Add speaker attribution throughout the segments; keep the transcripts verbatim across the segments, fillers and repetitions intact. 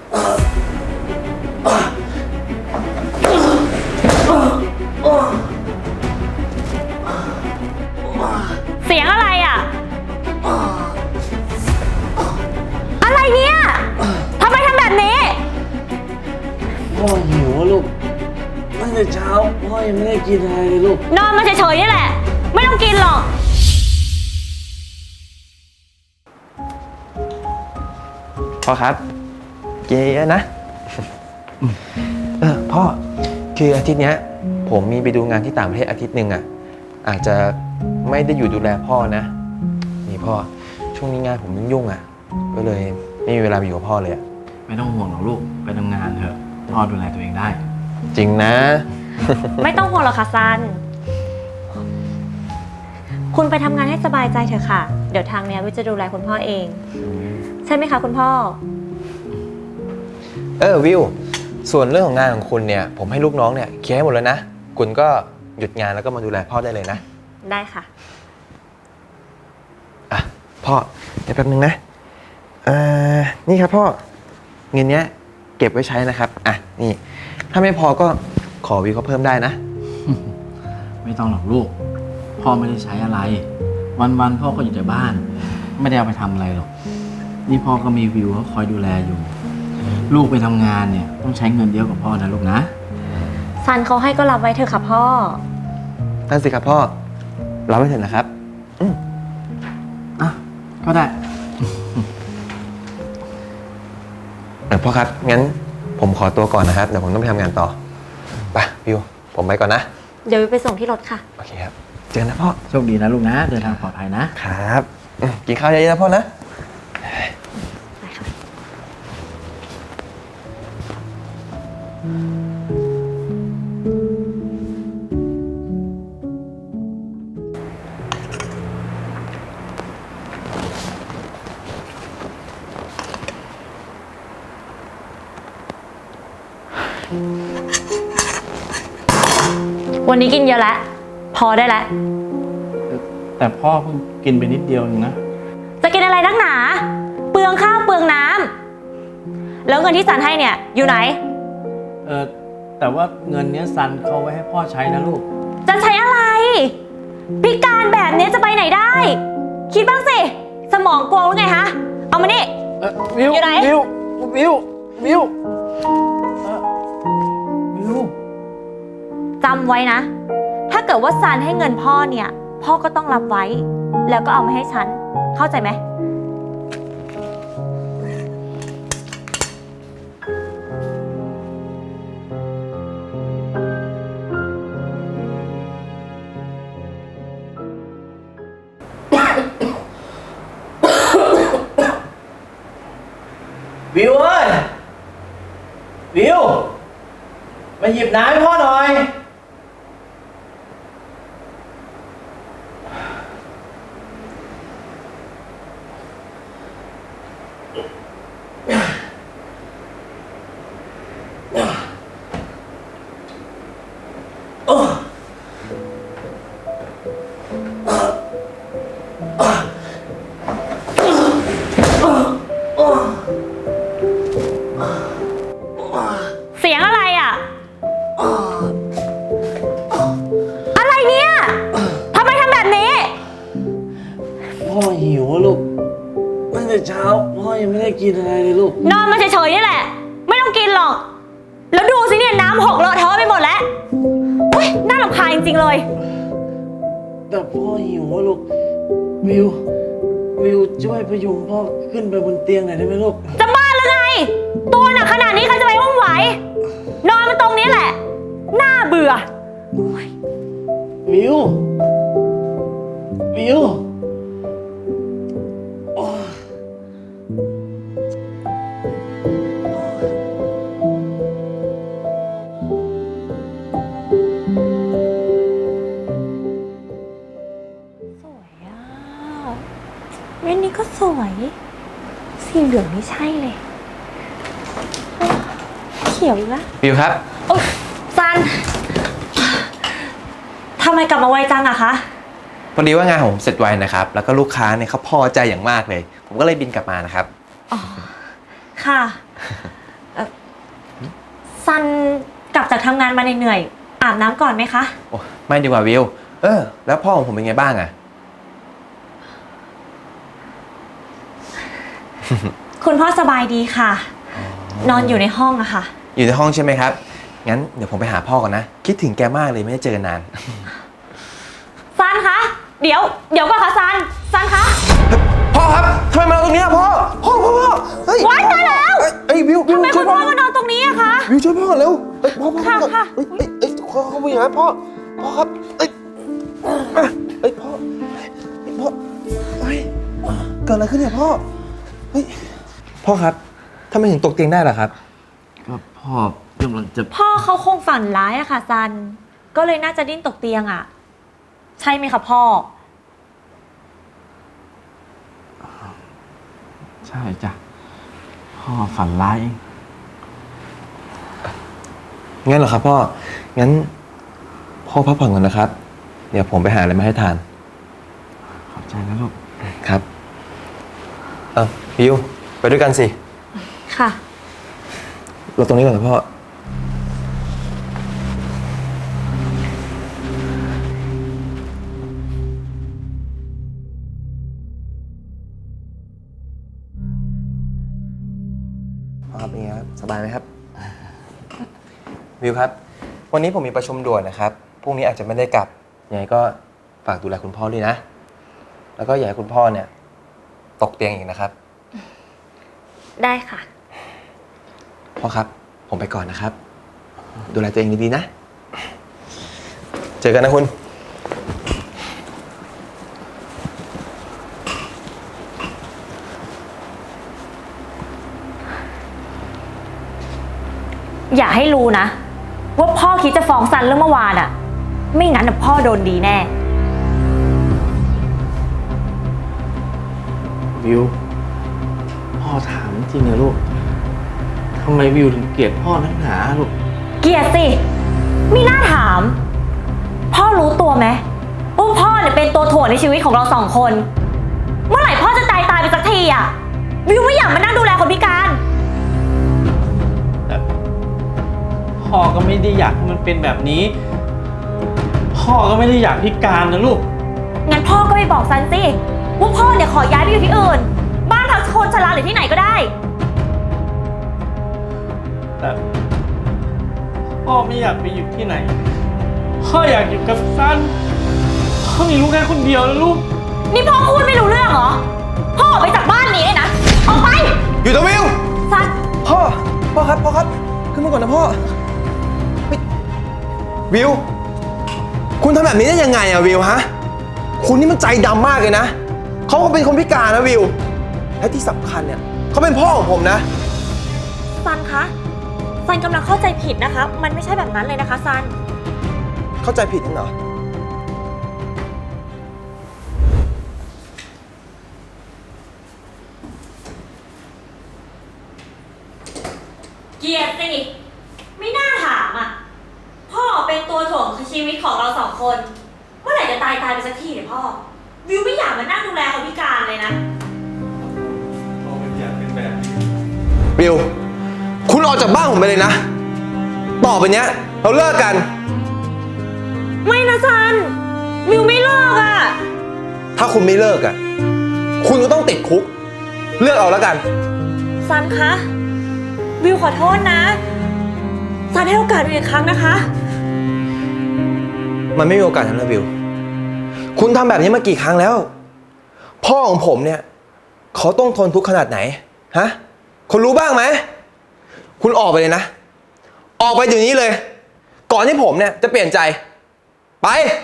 Speaker 1: เสียงอะไรอ่ะอะไรเนี่ยทำไมทำแบบนี้
Speaker 2: พ่อหิวลูกตั้งแต่เช้าพ่อยังไม่ได้กินอะไรเลยลูก
Speaker 1: นอนมาเฉยๆนี่แหละไม่ต้องกินหรอก
Speaker 3: พ่อครับกินเยอะนะเออพ่อคืออาทิตย์เนี้ยผมมีไปดูงานที่ต่างประเทศอาทิตย์หนึ่งอ่ะอาจจะไม่ได้อยู่ดูแลพ่อนะนี่พ่อช่วงนี้งานผมยุ่งๆอ่ะก็เลยไม่มีเวลาไปอยู่กับพ่อเลยอ่ะ
Speaker 2: ไม่ต้องห่วงหรอกลูกไปทำงานเถอะพ่อดูแลตัวเองได้
Speaker 3: จริงนะ
Speaker 1: ไม่ต้องห่วงหรอกค่ะซันคุณไปทำงานให้สบายใจเถอะค่ะเดี๋ยวทางเนี้ยวิจะดูแลคุณพ่อเองใช่ไหมคะคุณพ่อ
Speaker 3: เออวิวส่วนเรื่องของงานของคุณเนี่ยผมให้ลูกน้องเนี่ยเคลียร์ให้หมดแล้วนะคุณก็หยุดงานแล้วก็มาดูแลพ่อได้เลยนะ
Speaker 1: ได้ค่ะ
Speaker 3: อ่ะพ่อเดี๋ยวแป๊บนึงนะอ่านี่ครับพ่อเงินเนี้ยเก็บไว้ใช้นะครับอ่ะนี่ถ้าไม่พอก็ขอวิวเขาเพิ่มได้นะ
Speaker 2: ไม่ต้องหรอกลูกพ่อไม่ได้ใช้อะไรวันๆพ่อก็อยู่แต่บ้านไม่ได้เอาไปทำอะไรหรอกนี่พ่อก็มีวิวเขาคอยดูแลอยู่ลูกไปทำงานเนี่ยต้องใช้เงินเยอะกว่าพ่อนะลูกนะ
Speaker 1: ซันเขาให้ก็รับไว้เถอะค่ะพ่อ
Speaker 3: นั่นสิครับพ่อรับไว้เถอะนะครับอืม
Speaker 2: อ่ะก็ได้
Speaker 3: เออพ่อครับงั้นผมขอตัวก่อนนะครับเดี๋ยวผมต้องไปทำงานต่อไปวิวผมไปก่อนนะ
Speaker 1: เดี๋ยวไปส่งที่รถค่ะ
Speaker 3: โอเคครับเจอกันนะพ่อ
Speaker 2: โชคดีนะลูกนะเดินทางปลอดภัย
Speaker 3: นะครับกินข้าวเยอะๆนะพ่อนะ
Speaker 1: วันนี้กินเยอะแล้วพอได้แล้ว
Speaker 2: แต่พ่อเพิ่งกินไปนิดเดียวเองนะ
Speaker 1: จะกินอะไรนักหนาเปลืองข้าวเปลืองน้ำแล้วเงินที่ซันให้เนี่ยอยู่ไหน
Speaker 2: เออแต่ว่าเงินนี้ซันเขาไว้ให้พ่อใช้นะลูก
Speaker 1: จะใช้อะไรพิการแบบนี้จะไปไหนได้คิดบ้างสิสมองกวงหรือไงฮะเอามานี่
Speaker 2: วิว
Speaker 1: อยู่ไหน
Speaker 2: วิววิววิววิว
Speaker 1: จำไว้นะถ้าเกิดว่าซันให้เงินพ่อเนี่ยพ่อก็ต้องรับไว้แล้วก็เอามาให้ฉันเข้าใจไหม
Speaker 2: วิวเอ้ยวิวมาหยิบน้ำให้พ่อหน่อย
Speaker 1: เสียงอะไรอ่ะอะไรเนี่ยทำไมทำแบบนี้
Speaker 2: พ่อหิวลูกตั้งแต่เช้าพ่อยังไม่ได้กินอะไรเลยลูก
Speaker 1: นอนมาเฉยๆนี่แหละไม่ต้องกินหรอกแล้วดูสิเนี่ยน้ำหกเลอะเทอะไปหมดแล้วอุ้ยน่ารำคาญจริงๆเลย
Speaker 2: แต่พ่อหิวลูกวิววิวช่วยพยุงพ่อขึ้นไปบนเตียงหน่อยได้ไหมลูก
Speaker 1: จะบ้าหรือไงตัวหนักขนาดนี้ใครจะไปอุ้มไหวนอนมาตรงนี้แหละน่าเบื่อ
Speaker 2: วิววิว
Speaker 1: เว้นนี้ก็สวยสีเหลืองนี่ใช่เลยเขียวอีกแล้ว
Speaker 3: วิวครับ
Speaker 1: โอ๊ยซันทำไมกลับมาไวจังอะคะ
Speaker 3: พอดีว่างานของผมเสร็จไวนะครับแล้วก็ลูกค้าเนี่ยเขาพอใจอย่างมากเลยผมก็เลยบินกลับมานะครับ
Speaker 1: อ๋อค่ะซันกลับจากทำงานมาเหนื่อยๆอาบน้ำก่อนไหมคะ
Speaker 3: โอ้ไม่ดีกว่าวิว เออ แล้วพ่อของผมเป็นไงบ้างอะ
Speaker 1: คุณพ่อสบายดีค่ะ นอนอยู่ในห้องอะค่ะ
Speaker 3: อยู่ในห้องใช่ไหมครับ งั้นเดี๋ยวผมไปหาพ่อก่อนนะ คิดถึงแกมากเลยไม่ได้เจอกันนาน
Speaker 1: ซันคะเดี๋ยวเดี๋ยวก่อนค่ะซันซันคะ
Speaker 3: พ่อครับทำไมมาตรงนี้อะพ่อ พ่อพ่อพ่อเฮ้ย
Speaker 1: ว้ายตายแล้ว
Speaker 3: เอ้ยเอ้ยวิววิว
Speaker 1: ทำไม
Speaker 3: ช่
Speaker 1: คุ
Speaker 3: วย
Speaker 1: ณ
Speaker 3: พ่
Speaker 1: พ่
Speaker 3: อ
Speaker 1: อมานอนตรงนี้อะคะ
Speaker 3: วิวช่วยพ่อก่อนเร็วเอ้ยพ่อพ่อ
Speaker 1: ค่ะ
Speaker 3: พ่อ
Speaker 1: ค่ะ
Speaker 3: เอ้ยเอ้ยเอ้ยเขาเขาไปอย่างนั้นพ่อพ่อครับเอ้ยอ่ะเอ้ยพ่อเอ้ยพ่อเฮ้ยเกิดอะไรขึ้นเนี่ยพ่อเฮ้ยพ่อครับทำไมถึงตกเตียงได้ล่ะครับ
Speaker 2: ก็พ่อกำลังจะ
Speaker 1: พ่อเขาคงฝันร้ายอะค่ะซันก็เลยน่าจะดิ้นตกเตียงอะใช่ไหมคะพ่อ
Speaker 2: ใช่จ้ะพ่อฝันร้ายเอง
Speaker 3: งั้นเหรอครับพ่อ งั้นพ่อพักผ่อนก่อนนะครับ เดี๋ยวผมไปหาอะไรมาให้ทาน
Speaker 2: ขอบใจนะลูก
Speaker 3: ครับ เอ้าพิวไปด้วยกันสิ
Speaker 1: ค่ะ
Speaker 3: เราตรงนี้ก่อนนะพ่อ พ่อครับเป็นไงครับ สบายไหมครับ วิวครับ วันนี้ผมมีประชุมด่วนนะครับ พรุ่งนี้อาจจะไม่ได้กลับ ยังไงก็ฝากดูแลคุณพ่อด้วยนะ แล้วก็อย่าให้คุณพ่อเนี่ย ตกเตียงอีกนะครับ
Speaker 1: ได้ค่ะ
Speaker 3: พ่อครับ ผมไปก่อนนะครับ ดูแลตัวเองดีๆนะ เจอกันนะคุณ
Speaker 1: อย่าให้รู้นะ ว่าพ่อคิดจะฟ้องซันเรื่องเมื่อวานอะไม่งั้นน่ะพ่อโดนดีแน่
Speaker 2: วิว พ่อถามจริงเหรอลูกทำไมวิวถึงเกลียดพ่อนักหนาลูก
Speaker 1: เกลียดสิไม่น่าถาม พ่อรู้ตัวไหมว่าพ่อเนี่ยเป็นตัวถ่วงในชีวิตของเราสองคน เมื่อไหร่พ่อจะตายตายไปสักทีอะวิวไม่อยากมานั่งดูแลคนพิการ
Speaker 2: แต่พ่อก็ไม่ได้อยากให้มันเป็นแบบนี้ พ่อก็ไม่ได้อยากพิการนะลูก
Speaker 1: งั้นพ่อก็ไปบอกซันสิว่าพ่อเนี่ยขอย้ายไปอยู่ที่อื่น บ้านพักคนชราหรือที่ไหนก็ได้
Speaker 2: แต่พ่อไม่อยากไปอยู่ที่ไหน พ่ออยากอยู่กับซัน พ่อมีลูกแค่คนเดียวนะลูก
Speaker 1: นี่พ่อพูดไม่รู้เรื่องเหรอ พ่อออกไปจากบ้านนี้เลยนะ ออกไป
Speaker 3: อยู่ตัววิว
Speaker 1: ซัน
Speaker 3: พ่อ พ่อครับ พ่อครับ ขึ้นมาก่อนนะพ่อเฮ้ยวิว คุณทำแบบนี้ได้ยังไงอะวิวฮะ คุณนี่มันใจดำมากเลยนะ เขาก็เป็นคนพิการนะวิว และที่สำคัญเนี่ยเขาเป็นพ่อของผมนะ
Speaker 1: ซันคะซันกำลังเข้าใจผิดนะคะ มันไม่ใช่แบบนั้นเลยนะคะซัน
Speaker 3: เข้าใจผิดนั่นเหรอ
Speaker 1: เกลียดสิ ไม่น่าถามอ่ะ พ่อเป็นตัวถ่วงชีวิตของเราสองคน เมื่อไหร่จะตายตายไปสักทีเนี่ยพ่อ วิวไม่อยากมานั่งดูแลคนพิการเลยนะ
Speaker 2: พ่อไม่อยากเป็นแบบนี้
Speaker 3: วิว คุณออกจากบ้านผมไปเลยนะ ต่อไปเนี้ย เราเลิกกัน
Speaker 1: ไม่นะซัน วิวไม่เลิกอ่ะ
Speaker 3: ถ้าคุณไม่เลิกอะคุณก็ต้องติดคุก เลือกเอาแล้วกัน
Speaker 1: ซันคะ วิวขอโทษนะ ซันให้โอกาสวิวอีกครั้งนะคะ
Speaker 3: มันไม่มีโอกาสแล้วนะวิว คุณทำแบบนี้มากี่ครั้งแล้ว พ่อของผมเนี่ย เขาต้องทนทุกข์ขนาดไหน ฮะ คุณรู้บ้างไหม คุณออกไปเลยนะ ออกไปเดี๋ยวนี้เลย ก่อนที่ผมเนี่ยจะเปลี่ยนใจ ไป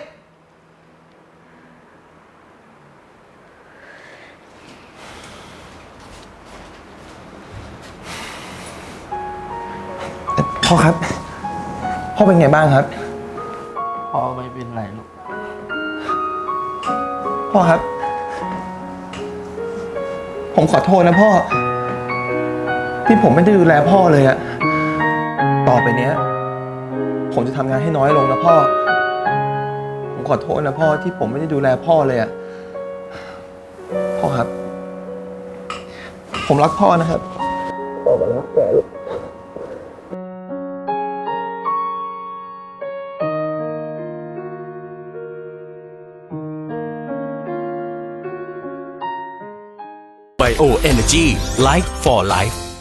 Speaker 3: พ่อครับ พ่อเป็นไงบ้างครับ
Speaker 2: พ่อไม่เป็นไรลูก
Speaker 3: พ่อครับ ผมขอโทษนะพ่อ ที่ผมไม่ได้ดูแลพ่อเลยอะต่อไปเนี้ย ผมจะทำงานให้น้อยลงนะพ่อ ผมขอโทษนะพ่อที่ผมไม่ได้ดูแลพ่อเลยอะพ่อครับ ผมรักพ่อนะครับต่อไปรักแกลูก
Speaker 4: Bio Energy Life for Life